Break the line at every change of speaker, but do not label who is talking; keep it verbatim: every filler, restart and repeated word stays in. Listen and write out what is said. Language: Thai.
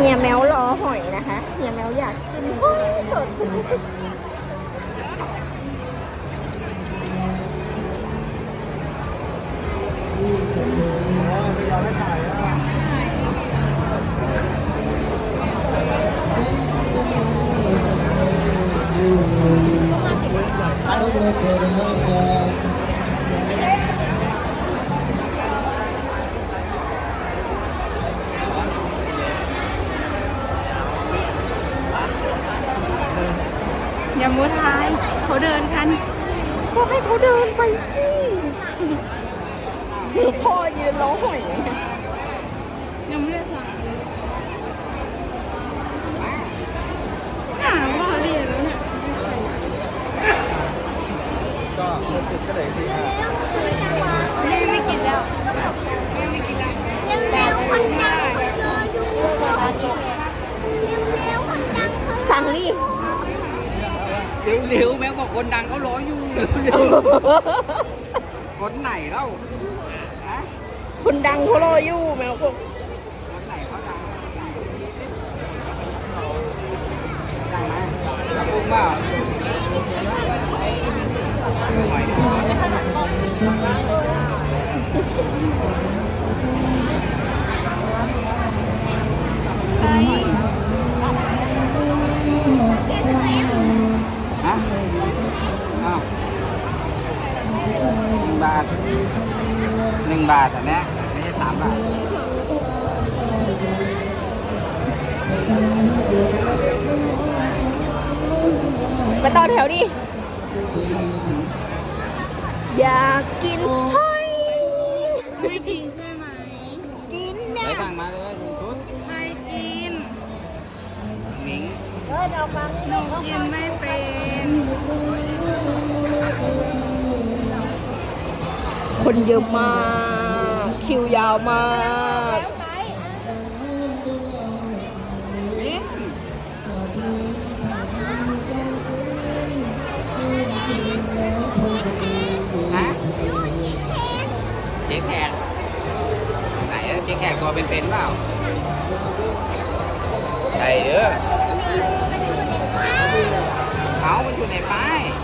ฮียแมวรอหอยนะคะเฮียแมวอยากกินหอยสด
อย่ามัวทายเขาเดินกัน
ก็ให้เขาเดินไปสิหรือพ่อยืนรอหอย
ยังไม่ได้สั่งหาว่าเรียนแล้วเนี่ย
ก็ติดก็เลยสิครับ
ไม่ไม่กินแล้วไม่ไม่กินแล้ว
เร็วๆคนดังเขาเจออยู่เร็วๆคนดังเขา
สั่งดิ
เร็วๆแม่บอกคนดังเขารออยู่คนไหนเล่าฮะ
คนดังเขารออยู่แมวบอก
คนไหนเขาดังดังไหมดังปุ้งเปล่าหอยฮะอ้าวหนึ่งบาทหนึ่งบาทอันเนี้ยไม่ใช่สามบาท
ไปต่อแถวดิอยากกินหอย
ไม่กินใช่ไหม
กิน
ไป
เนี่ย
สั่งมาเลยหนึ่งชุด
ไม่กิน
หนิง
หนูกินไม่เป็น
คนเยอะมากคิวยาวมาก
นี่ฮะเจ๊แขกไหนอะเจ๊แขกตัวเป็นๆเปล่าใช่เด้อเอามันอยู่ในป้าย